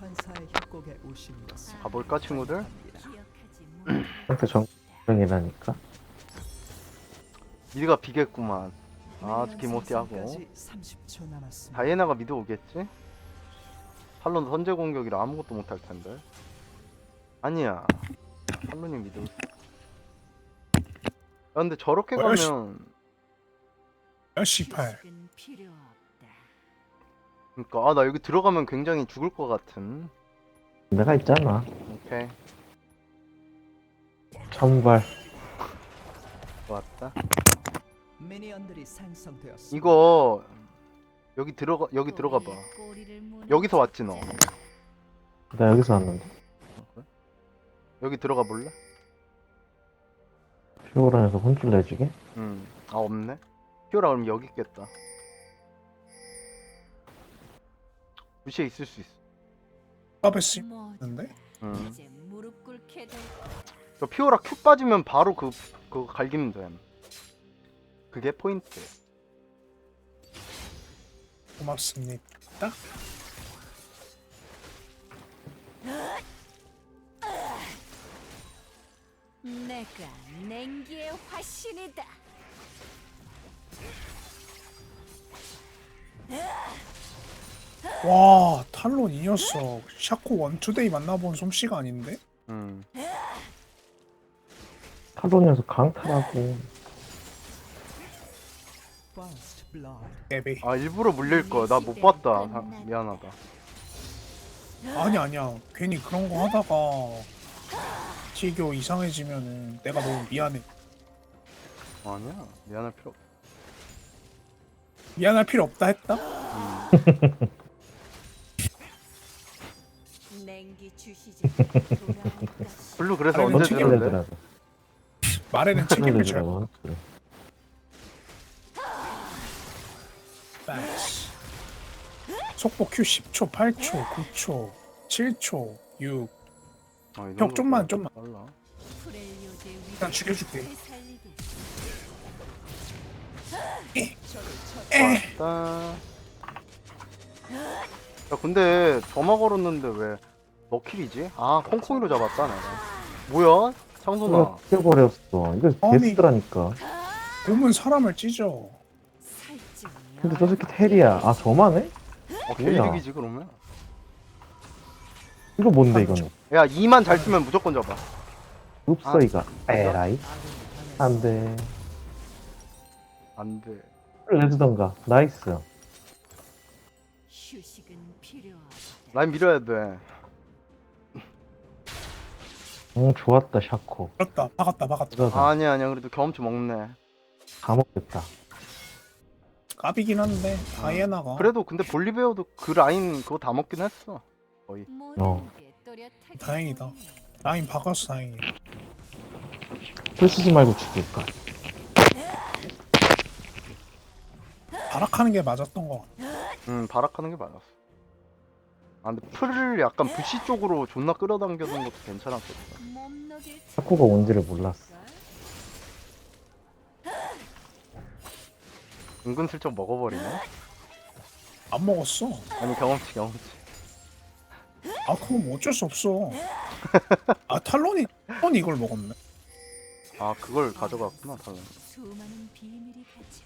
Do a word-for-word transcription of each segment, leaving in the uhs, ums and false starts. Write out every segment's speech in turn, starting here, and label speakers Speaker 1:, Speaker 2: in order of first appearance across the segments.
Speaker 1: 천사의 협곡에 오신 것을
Speaker 2: 가볼까 친구들?
Speaker 3: 상태 정정이라니까.
Speaker 2: 미드가 비겠구만. 아 기모티하고
Speaker 1: 생성까지 삼십 초 남았습니다.
Speaker 2: 다이애나가 미드 오겠지? 탈론 선제 공격이라 아무것도 못할 텐데. 아니야. 탈론이 미드. 야, 근데 저렇게
Speaker 4: 뭐야, 씨.
Speaker 2: 가면
Speaker 4: 야 씨팔.
Speaker 2: 그니까 아 나 여기 들어가면 굉장히 죽을 것 같은.
Speaker 3: 내가 있잖아.
Speaker 2: 오케이
Speaker 3: 천발.
Speaker 2: 좋았다.
Speaker 1: 미니언들이 생성되었습니다.
Speaker 2: 이거 여기 들어가 여기 들어가 봐. 여기서 왔지 너.
Speaker 3: 나 여기서 왔는데.
Speaker 2: 여기 들어가 볼래?
Speaker 3: 피오란에서 혼쭐 내주게?
Speaker 2: 음. 아 없네. 피오라 그럼 여기 있겠다. 부시에 있을 수 있어.
Speaker 4: 까베스 있는데?
Speaker 2: 음.
Speaker 5: 이제 무릎 꿇게 될
Speaker 2: 저 피오라 큐 빠지면 바로 그 그거 갈기면 돼. 그게 포인트.
Speaker 4: 고맙습니다.
Speaker 5: 내가 냉기의 화신이다.
Speaker 4: 와 탈론 이 녀석 샤코 원투데이 만나본 솜씨가 아닌데?
Speaker 2: 음.
Speaker 3: 탈론에서 강탈하고.
Speaker 1: First blood.
Speaker 4: 에베.
Speaker 2: 아 일부러 물릴 거야. 나 못 봤다. 아, 미안하다.
Speaker 4: 아니 아니야. 괜히 그런 거 하다가 티교 이상해지면은 내가 너무 미안해.
Speaker 2: 아니야. 미안할 필요 없어.
Speaker 4: 미안할 필요 없다 했다?
Speaker 5: 냉기 주시지 돌아올까.
Speaker 2: 블루 그래서
Speaker 4: 아니,
Speaker 2: 언제
Speaker 4: 어떻게
Speaker 2: 주는데?
Speaker 3: 혼쭐내더라고.
Speaker 4: 말에는 책임을 져야
Speaker 3: 혼쭐내더라고, 혼쭐.
Speaker 4: 패스. 속보 Q 십 초, 팔 초, 구 초, 칠 초, 육.
Speaker 2: 아, 이
Speaker 4: 형,
Speaker 2: 정도
Speaker 4: 좀만,
Speaker 2: 빨라.
Speaker 4: 좀만.
Speaker 2: 빨라.
Speaker 5: 프렐리오드의 위기를
Speaker 4: 일단 죽여줄게.
Speaker 5: 되살리게.
Speaker 2: 왔다. 야 근데 점화 걸었는데 왜 너킬이지? 아 콩콩이로 잡았다 내가. 뭐야? 창선아.
Speaker 3: 이거 튀어버렸어. 이거
Speaker 4: 아니.
Speaker 3: 데스더라니까.
Speaker 4: 곰은 사람을 찢어.
Speaker 5: 살찐
Speaker 3: 근데 저 새끼 텔이야. 아, 저만 해?
Speaker 2: 어
Speaker 3: 뭐야?
Speaker 2: 개이득이지 그러면.
Speaker 3: 이거 뭔데, 이거는?
Speaker 2: 야 이만 잘 쓰면 무조건 잡아.
Speaker 3: 없어,
Speaker 2: 아,
Speaker 3: 이거. 에라이. 안 돼.
Speaker 2: 안 돼.
Speaker 3: 내주던가. 나이스.
Speaker 5: 휴식은 필요하다.
Speaker 2: 라인 밀어야 돼.
Speaker 3: 응, 좋았다, 샤코.
Speaker 4: 그렇다. 박았다, 박았다.
Speaker 3: 그러다.
Speaker 2: 아니야 아니야 그래도 경험치 먹네.
Speaker 3: 다 먹겠다.
Speaker 4: 까비긴 한데 다이애나가.
Speaker 2: 그래도 근데 볼리베어도 그 라인 그거 다 먹긴 했어. 거의.
Speaker 3: 어.
Speaker 4: 다행이다. 라인 박았어 다행이야.
Speaker 3: 풀 쓰지 말고 죽일까.
Speaker 4: 발악하는 게 맞았던 거 같아.
Speaker 2: 응 발악하는 게 맞았어. 아 근데 풀을 약간 부시 쪽으로 존나 끌어당겨는 것도 괜찮았겠다.
Speaker 3: 샤코가 온지를 몰랐어.
Speaker 2: 은근슬쩍 먹어버리네.
Speaker 4: 안 먹었어.
Speaker 2: 아니 경험치 경험치.
Speaker 4: 아 그럼 어쩔 수 없어. 아 탈론이 탈론이 이걸 먹었네.
Speaker 2: 아 그걸 가져갔구나 당연히.
Speaker 5: 수많은 비밀이 갇혀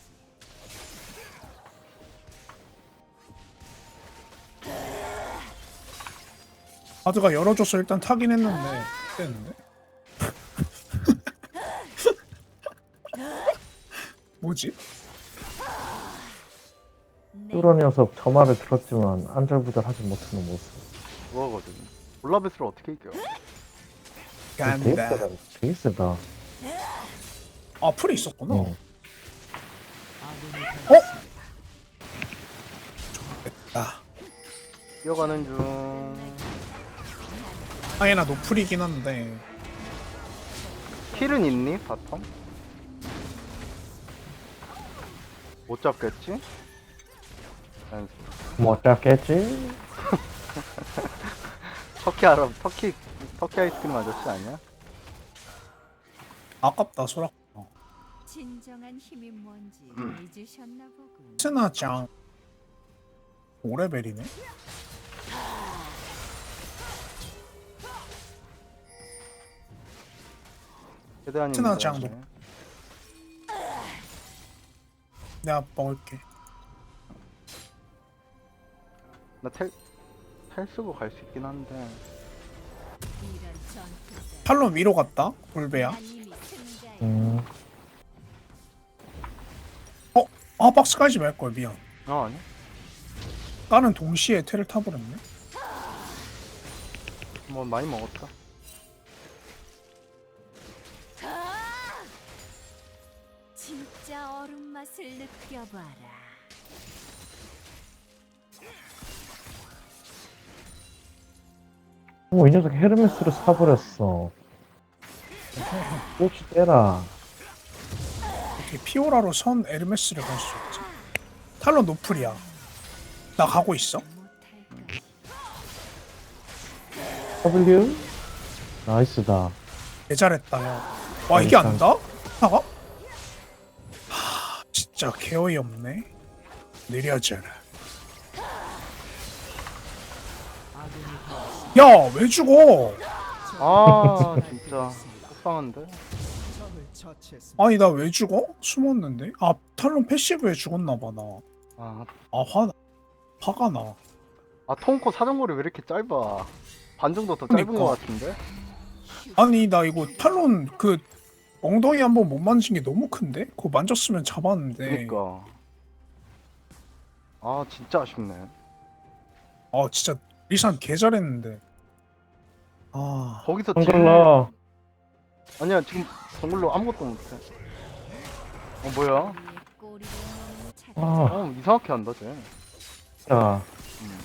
Speaker 4: 바드가 열어줘서 일단 타긴 했는데 됐는데. 뭐지?
Speaker 3: 뚜러 녀석 저 말을 들었지만 안절부절하지 못하는 모습.
Speaker 2: 그거거든. 볼라베스를 어떻게 이겨?
Speaker 3: 되게
Speaker 4: 간다.
Speaker 3: 세다. 되게 세다.
Speaker 4: 아 풀이 있었구나.
Speaker 3: 응.
Speaker 4: 아
Speaker 2: 뛰어가는 중.
Speaker 4: 다이애나 노플이긴 한데.
Speaker 2: 킬은 있니 바텀? 못 잡겠지? 자연스러워.
Speaker 3: 뭐 어쩌겠지?
Speaker 2: 터키 알아? 터키 터키 아이스크림 아저씨 아니야?
Speaker 4: 아깝다 소라.
Speaker 5: 진정한 힘이 뭔지 잊으셨나 보군.
Speaker 4: 스나짱 오 레벨이네.
Speaker 2: 최대한입니다.
Speaker 4: 트나 장도.
Speaker 2: 네.
Speaker 4: 내가 먹을게.
Speaker 2: 나텔 텔 쓰고 갈 수 있긴 한데.
Speaker 5: 이런 전투들.
Speaker 4: 탈론 위로 갔다. 볼베야.
Speaker 5: 난 이미 승자야.
Speaker 3: 음,
Speaker 4: 아 박스 깔지 말걸 미안.
Speaker 2: 아 아니.
Speaker 4: 까는 동시에 테를 타버렸네.
Speaker 2: 뭐 많이 먹었다.
Speaker 5: 진짜 얼음 맛을 느껴봐라.
Speaker 3: 어, 이 녀석 헤르메스를 사버렸어. 꼬치 떼라.
Speaker 4: 어떻게 피오라로 선 에르메스를 갈 수 있지? 탈론 노플이야. 나 가고 있어.
Speaker 5: 못할까?
Speaker 3: W? 나이스다.
Speaker 4: 개 잘했다 야. 와 이게 안 다? 나가? 하 진짜 개어이 없네. 느려져라. 야 왜 죽어?
Speaker 2: 아 진짜 속상한데.
Speaker 1: 적을 처치했습니다.
Speaker 4: 아니 나 왜 죽어? 숨었는데? 아 탈론 패시브에 죽었나봐 나.
Speaker 2: 아,
Speaker 4: 아 화, 화가 나.
Speaker 2: 아 통코 사정거리 왜 이렇게 짧아? 반 정도 더 짧은
Speaker 4: 그러니까.
Speaker 2: 것 같은데?
Speaker 4: 아니 나 이거 탈론 그 엉덩이 한번 못 만진 게 너무 큰데? 그거 만졌으면 잡았는데.
Speaker 2: 그니까. 아 진짜 아쉽네.
Speaker 4: 아 진짜 리산 개 잘했는데. 아
Speaker 2: 거기서 제일...
Speaker 3: 한글라.
Speaker 2: 아니야 지금 정글로 아무것도 못해. 어 뭐야?
Speaker 5: 우리의 꼬리를 먹는 차-
Speaker 3: 아,
Speaker 2: 어 이상하게 한다 쟤.
Speaker 3: 야.
Speaker 2: 음.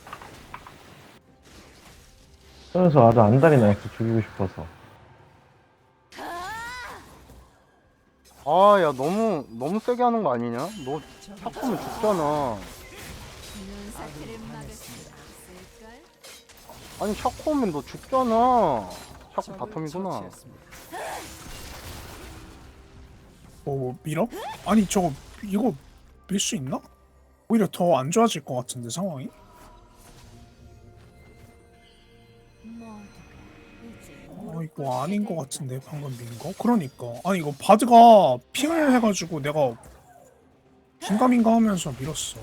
Speaker 3: 그래서 아주 안달이 나있어, 죽이고 싶어서.
Speaker 2: 아 야 너무 너무 세게 하는 거 아니냐? 너 탁하면 죽잖아.
Speaker 5: 이런 사태를 막을 수 없을걸?
Speaker 2: 아니 샤코 오면 너 죽잖아. 샤코
Speaker 1: 적을
Speaker 2: 바텀이구나.
Speaker 1: 처치했습니다.
Speaker 4: 뭐 밀어? 아니 저거 이거 밀 수 있나? 오히려 더 안 좋아질 것 같은데 상황이?
Speaker 5: 모두가 이제
Speaker 4: 아 이거 아닌 것 같은데 방금 민 거? 그러니까 아니 이거 바드가 핑을 해가지고 내가 긴가민가 하면서 밀었어.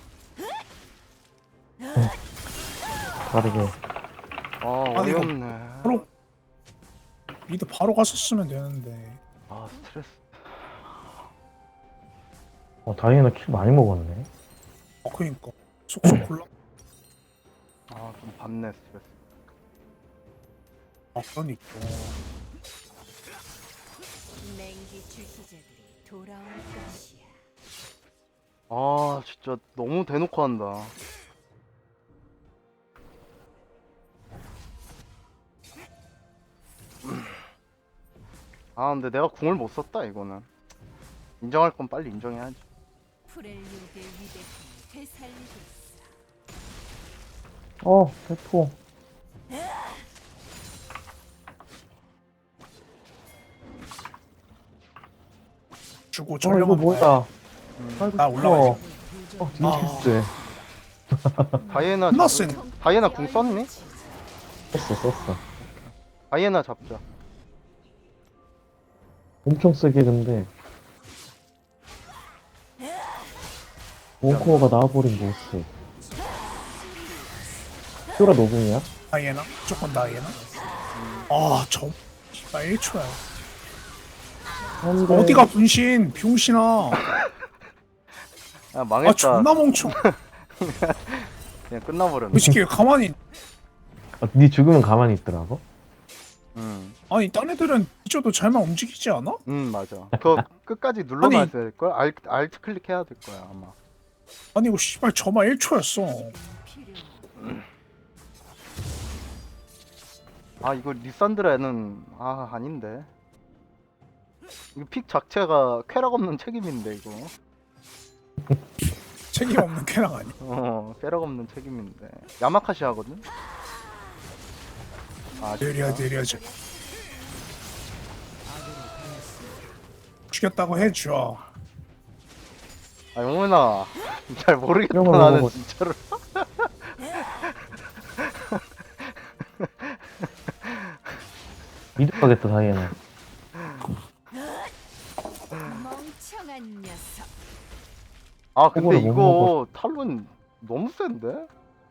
Speaker 3: 다르게.
Speaker 2: 아
Speaker 4: 아니, 이거
Speaker 2: 어이없네.
Speaker 4: 바로 미드 바로 갔었으면 되는데.
Speaker 2: 아 스트레스.
Speaker 3: 어, 다이애나 킬 많이 먹었네.
Speaker 4: 아 그니까 속속 골라.
Speaker 2: 아좀 받네 스트레스.
Speaker 4: 아 그러니까.
Speaker 5: 냉기 주시자들이 돌아올 것이야.
Speaker 2: 아 진짜 너무 대놓고 한다. 아 근데 내가 궁을 못 썼다 이거는. 인정할 건 빨리 인정해야지.
Speaker 5: 프렐리오드의 위대함을 되살리겠어.
Speaker 3: 어, 대포.
Speaker 4: 주고
Speaker 3: 어,
Speaker 4: 전령
Speaker 3: 이거 뭐야. 아이고,
Speaker 4: 나 올라가.
Speaker 3: 싶어. 어, 딩크스.
Speaker 2: 다이애나
Speaker 4: 존나
Speaker 2: 잡...
Speaker 4: 센.
Speaker 2: 다이애나 궁 썼니?
Speaker 3: 썼어, 썼어.
Speaker 2: 다이애나 잡자.
Speaker 3: 엄청 세게 근데. 원코어가 나와버린 모습. 퓨라 노궁이야?
Speaker 4: 다이애나? 무조건 다이애나? 아저 씨발 일 초야.
Speaker 3: 근데
Speaker 4: 어디가 분신 병신아.
Speaker 2: 야
Speaker 4: 아
Speaker 2: 망했다.
Speaker 4: 존나 멍청.
Speaker 2: 그냥 끝나버렸네.
Speaker 4: 그 새끼 왜 가만히.
Speaker 3: 아, 네 죽으면 가만히 있더라고?
Speaker 2: 응.
Speaker 4: 아니 딴 애들은 잊어도 잘만 움직이지 않아?
Speaker 2: 응 맞아. 그거 끝까지 눌러놔야 될 걸. 알 알트 클릭해야 될 거야 아마.
Speaker 4: 아니 이거 씨발 저만 일 초였어.
Speaker 5: 필요.
Speaker 2: 아 이거 리산드라는 아 아닌데. 이거 픽 자체가 쾌락 없는 책임인데 이거.
Speaker 4: 책임 없는 캐랑 아니.
Speaker 2: 어 쾌락 없는 책임인데. 야마카시 하거든. 아
Speaker 4: 느려
Speaker 2: 진짜?
Speaker 4: 느려져. 죽였다고 해줘.
Speaker 2: 아 영훈아 잘 모르겠다
Speaker 3: 이런 거
Speaker 2: 나는
Speaker 3: 먹어.
Speaker 2: 진짜로.
Speaker 3: 미드 가겠다, 다이애나.
Speaker 2: 아 근데
Speaker 3: 그거를 못
Speaker 2: 이거 탈론 너무 센데?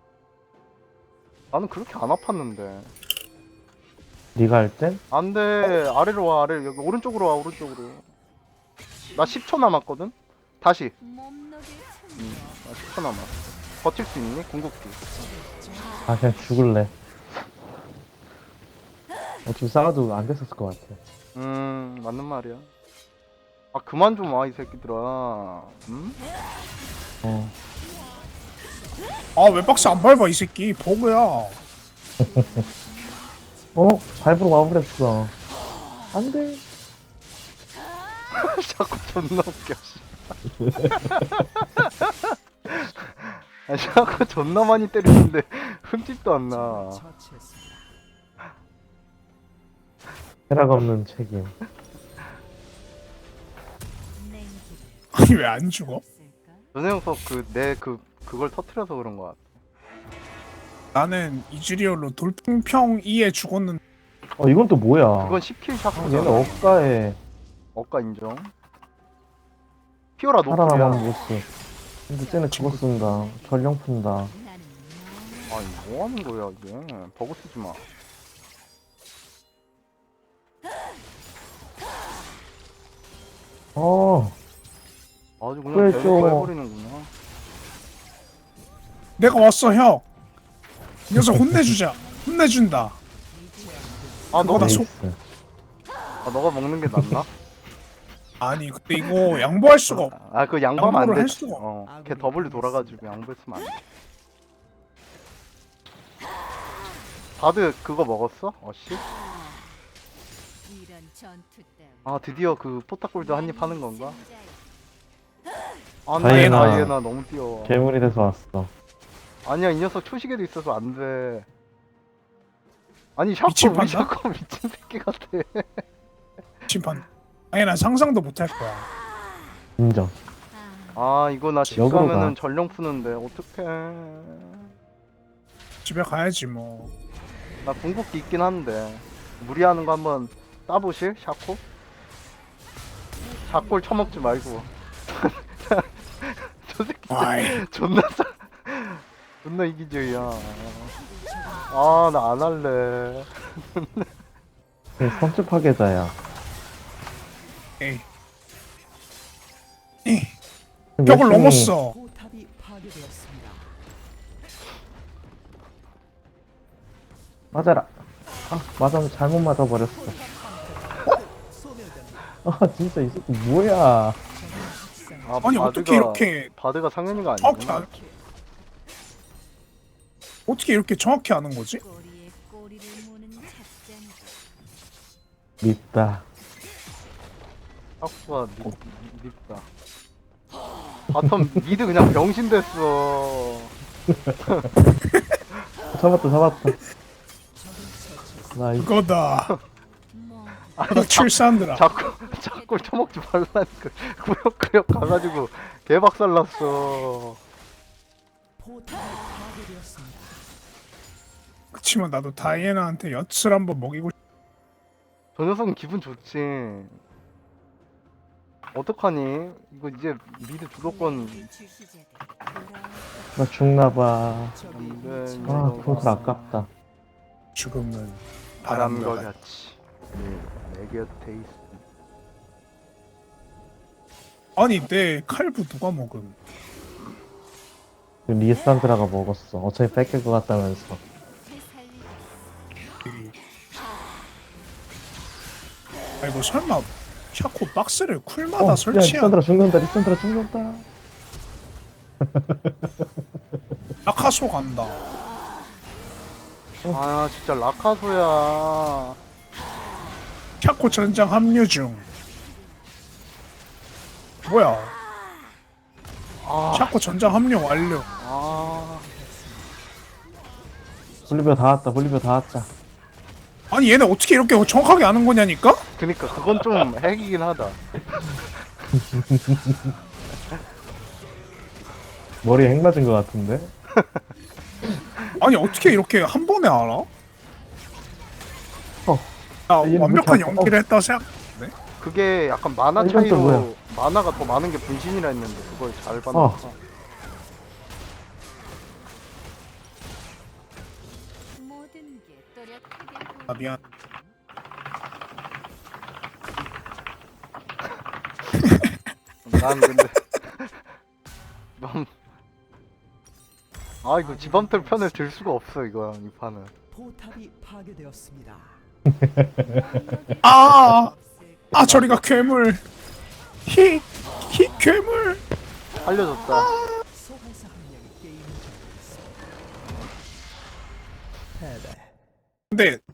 Speaker 2: 나는 그렇게 안 아팠는데.
Speaker 3: 네가 할 땐?
Speaker 2: 안돼, 아래로 와. 아래, 여기 오른쪽으로 와. 오른쪽으로. 나 십 초 남았거든? 다시.
Speaker 5: 몸놀이 참
Speaker 2: 음, 나 십 초 남았어. 버틸 수 있니? 궁극기.
Speaker 3: 아 그냥 죽을래. 어차피 싸워도 안 됐었을 것 같아.
Speaker 2: 음, 맞는 말이야. 아 그만 좀 와 이 새끼들아. 음?
Speaker 3: 어.
Speaker 4: 아 왜 박스 안 밟아 이 새끼 버그야.
Speaker 3: 어? 밟으러 와버렸어. 안 돼.
Speaker 2: 자꾸 존나 웃겨. 씨. 아, 자꾸 존나 많이 때리는데 흠집도 안 나.
Speaker 1: 처치했습니다.
Speaker 3: 쾌락 없는 책임.
Speaker 5: 냉기를
Speaker 4: 아니 왜 안 죽어?
Speaker 5: 쓸까?
Speaker 2: 전혜영석 그 내 그 그걸 터트려서 그런 거 같아.
Speaker 4: 나는 이즈리얼로 돌풍평 이에 죽었는데
Speaker 3: 어 이건 또 뭐야?
Speaker 2: 그건 십 킬
Speaker 3: 아,
Speaker 2: 샤프잖아.
Speaker 3: 얘는 억가에
Speaker 2: 억가 인정. 피오라
Speaker 3: 살아남은
Speaker 2: 노플이야.
Speaker 3: 모습. 근데 쟤는 그거 쓴다. 전령 푼다.
Speaker 5: 나는
Speaker 2: 아니 뭐 하는 거야 이게. 버그 쓰지 마.
Speaker 3: 어.
Speaker 2: 아주 그냥
Speaker 3: 그랬죠.
Speaker 2: 대놓고 해버리는구나.
Speaker 4: 내가 왔어 형. 이 녀석 혼내주자. 혼내준다.
Speaker 2: 아 너가
Speaker 4: 그거다, 속-
Speaker 3: 에이스.
Speaker 2: 아 너가 먹는 게 낫나?
Speaker 4: 아니 근데 이거 양보할 수가 없.
Speaker 2: 아 그 양보하면 안
Speaker 4: 양보를 할
Speaker 2: 돼.
Speaker 4: 수가 없-
Speaker 2: 어, 걔 더블로 돌아가지고 양보했으면 안 돼. 바드 그거 먹었어? 어씨?
Speaker 5: 이런 전투 때문에
Speaker 2: 아 드디어 그 포탑골드 한입 하는 건가? 아
Speaker 3: 다이애나.
Speaker 2: 다이애나 다이애나 너무 뛰어.
Speaker 3: 괴물이 돼서 왔어.
Speaker 2: 아니야 이 녀석 초시계도 있어서 안 돼. 아니 샤코
Speaker 4: 미친
Speaker 2: 우리
Speaker 4: 판다?
Speaker 2: 샤코 미친 새끼 같아.
Speaker 4: 심판. 아니 난 상상도 못 할 거야.
Speaker 3: 인정.
Speaker 5: 아,
Speaker 2: 아 이거 나 집
Speaker 3: 역으로
Speaker 2: 가면은
Speaker 3: 가.
Speaker 2: 전령 푸는데 어떡해.
Speaker 4: 집에 가야지 뭐.
Speaker 2: 나 궁극기 있긴 한데 무리하는 거 한번 따보실? 샤코? 샤콜 처먹지 말고. 저 새끼
Speaker 4: 아이.
Speaker 2: 존나 싸 존나 이기적이야. 아 나 안 할래.
Speaker 3: 걔 선수 파괴자야.
Speaker 4: 에이. 에이. 벽을
Speaker 3: 열심히
Speaker 4: 넘었어.
Speaker 1: 포탑이 파괴되었습니다.
Speaker 3: 맞아라. 아 맞아 잘못 맞아버렸어.
Speaker 1: 소멸됩니다.
Speaker 3: 아 진짜 이 새끼 뭐야?
Speaker 2: 아,
Speaker 4: 아니
Speaker 2: 바드가,
Speaker 4: 어떻게 이렇게
Speaker 2: 바드가 상현이가
Speaker 4: 정확히
Speaker 2: 아니구나.
Speaker 4: 안, 어떻게 이렇게 정확히 아는 거지?
Speaker 5: 꼬리에 꼬리를 무는 작전이다.
Speaker 3: 밉다.
Speaker 2: 샤코가 밉, 밉다. 바텀 미드 그냥 병신 됐어.
Speaker 3: 잡았다 잡았다. 나 이.
Speaker 4: 그거다.
Speaker 5: 뭐
Speaker 4: 나 출산들아.
Speaker 2: 자꾸 자꾸 처먹지 말라니까. 구역구역 가가지고 개박살 났어.
Speaker 1: 포탑이 파괴되었습니다.
Speaker 4: 그치만 나도 다이애나한테 엿을 한번 먹이고. 싶-
Speaker 2: 저 녀석은 기분 좋지. 어떡하니? 이거 이제 미드 주도권
Speaker 5: 냉기 주시자들이 돌아올
Speaker 3: 나 죽나봐.
Speaker 1: 적이
Speaker 2: 안 돼.
Speaker 1: 위치를
Speaker 3: 아
Speaker 2: 이거
Speaker 3: 그것도 아깝다.
Speaker 4: 죽음은
Speaker 2: 바람과
Speaker 4: 바람과
Speaker 2: 같이 내 곁에 있어.
Speaker 4: 아니 내 칼부 누가 먹음?
Speaker 3: 그 리산드라가 먹었어. 어차피 뺏길 것 같다면서.
Speaker 5: 되살리겠어.
Speaker 4: 이- 아이고 설마 샤코 박스를 쿨마다
Speaker 3: 어, 야
Speaker 4: 설치한
Speaker 3: 리산드라 죽는다. 리산드라 죽는다.
Speaker 4: 아카소 간다.
Speaker 2: 아 진짜 라카소야.
Speaker 4: 샤코 전장 합류 중. 뭐야?
Speaker 2: 아,
Speaker 4: 샤코 전장 합류 완료.
Speaker 2: 아,
Speaker 3: 볼리비아 다 왔다. 볼리비아 다 왔다.
Speaker 4: 아니 얘네 어떻게 이렇게 정확하게 아는 거냐니까?
Speaker 2: 그니까 그건 좀 핵이긴 하다.
Speaker 3: 머리에 핵 맞은 것 같은데?
Speaker 4: 아니 어떻게 이렇게 한 번에 알아?
Speaker 3: 어.
Speaker 4: 나
Speaker 3: 얘는
Speaker 4: 완벽한
Speaker 3: 못 찾아.
Speaker 4: 연기를 했다고 생각했는데?
Speaker 2: 그게 약간 만화
Speaker 3: 아, 이건 또 뭐야?
Speaker 2: 차이로 만화가 더 많은 게 분신이라 했는데 그걸 잘 봤나?
Speaker 3: 어.
Speaker 2: 봐.
Speaker 5: 모든 게 또렷하게
Speaker 4: 아 미안.
Speaker 2: 난 근데 너무 아 이거 지범틀 편을 들 수가 없어 이거 이 판은.
Speaker 1: 포탑이 파괴되었습니다.
Speaker 4: 아, 아 저리가 괴물. 히, 히 괴물.
Speaker 2: 살려줬다.
Speaker 1: 소환사 한 명이 게임을 접었습니다. 패배.
Speaker 4: 근데